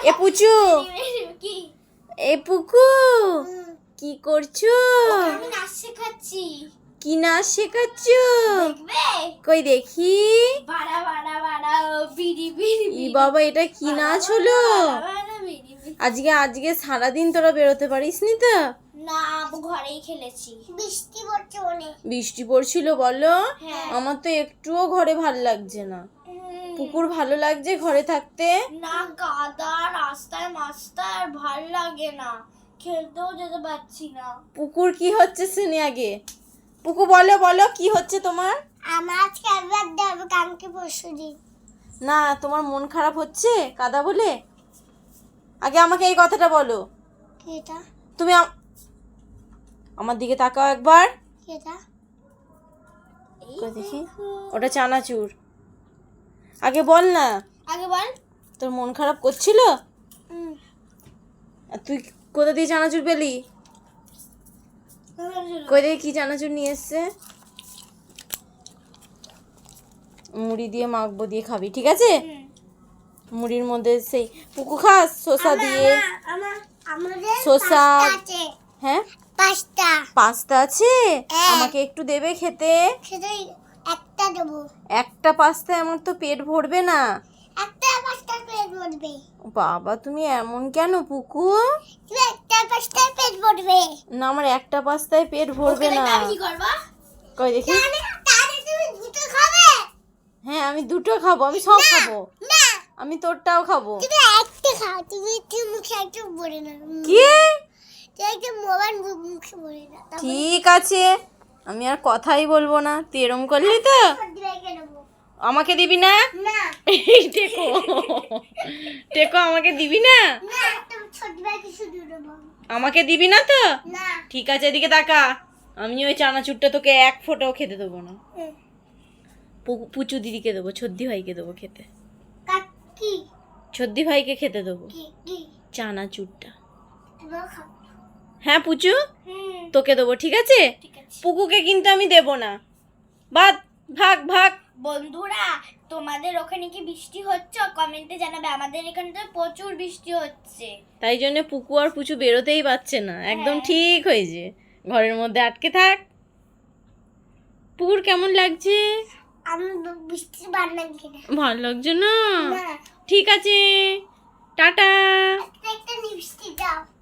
এ পুচু, কি এ পুকু, কি করছো? আমি নাচ শেখাচ্ছি। কি নাচ শেখাচ্ছ? দেখবে? কই দেখি। বাড়া বাড়া বাড়া বিড়ি বিড়ি ই বাবা, এটা কি নাচ হলো? আজকে আজকে সারাদিন তোরা বেরোতে পারিসনি তো? না, ঘরেই খেলেছি। বৃষ্টি পড়ছে অনেক। বৃষ্টি পড়ছিল বলো? হ্যাঁ। আমার তো একটুও ঘরে ভাল লাগছে না। পুকুর ভালো লাগছে ঘরে থাকতে? না, কাদা রাস্তায় মাস্তায় ভাল লাগে না, খেলতেও যেতে পারছি না। পুকুর কি হচ্ছে শুনি আগে। পুকু বলো বলো, কি হচ্ছে তোমার? আমার আজকে একবার দেবো, কালকে পরশু দিন। না, তোমার মন খারাপ হচ্ছে কাদা বলে? আগে আমাকে এই কথাটা বলো। কেটা তুমি আমার দিকে তাকাও একবার। কেটা কই দেখি। ওটা চানাচুর। আগে বল না, আগে বল। তোর মন খারাপ করছিল? আর তুই কোথা দিয়ে চানাচুর পেলি? কই দেখি কি চানাচুর নিয়ে এসছে। মুড়ি দিয়ে মাখবো, দিয়ে খাবি, ঠিক আছে? মুড়ির মধ্যে সেই পুকু খাস শসা দিয়ে। আমাদের শসা। আছে। হ্যাঁ, পাঁচটা। পাস্তা আছে, আমাকে একটু দেবে খেতে? সেটা একটা দেবো। একটা পাস্তায় আমার তো পেট ভরবে না। একটা পাঁচটা পেট ভরবে। বাবা, তুমি এমন কেন পুকু? তুমি একটা পাঁচটা পেট ভরবে না, আমার একটা পাস্তায় পেট ভরবে না। কি করবা? কই দেখি। তাহলে তুমি দুটো খাবে? হ্যাঁ, আমি দুটো খাবো, আমি সব খাবো। না, আমি তোরটাও খাবো। তুমি একটা খাও। তুমি একটু মুখে একটু ভরে না। কি? তুমি একটু মোবাইল মুখে ভরে না। ঠিক আছে, আমি আর কথাই বলবো না। তুই এরম করলি তো? আমাকে দিবি না? না টেকো, টেকো, আমাকে দিবি না? না, তুমি ছোট ব্যাগে শুধু দেবো। আমাকে দিবি না তো? না। ঠিক আছে, এদিকে তাকা। আমি ওই চানাচুরটা তোকে এক ফোঁটাও খেতে দেবো না। পুচু দিদিকে দেবো, ছদ্দি ভাইকে দেবো খেতে। কি ছদ্দি ভাইকে খেতে দেবো কি কি চানাচুরটা। তুমি খাও। হ্যাঁ পুচু, তোকে দেবো, ঠিক আছে? ঠিক আছে। পুকুকে কিন্তু আমি দেবো না। বাদ, ভাগ ভাগ। বন্ধুরা, তোমাদের ওখানে কি বৃষ্টি হচ্ছে? কমেন্টে জানাবে। আমাদের এখানে তো প্রচুর বৃষ্টি হচ্ছে। তাই জন্য পুকু আর পুচু বেরোতেই পারছে না। একদম হ্যাঁ। ঠিক হয়েছে, ঘরের মধ্যে আটকে থাক। পুকুর কেমন লাগছে? আমি বৃষ্টি ভালো লাগছে না। ভালো লাগছে না? না, ঠিক আছে, টাটা। একটা বৃষ্টি দাও।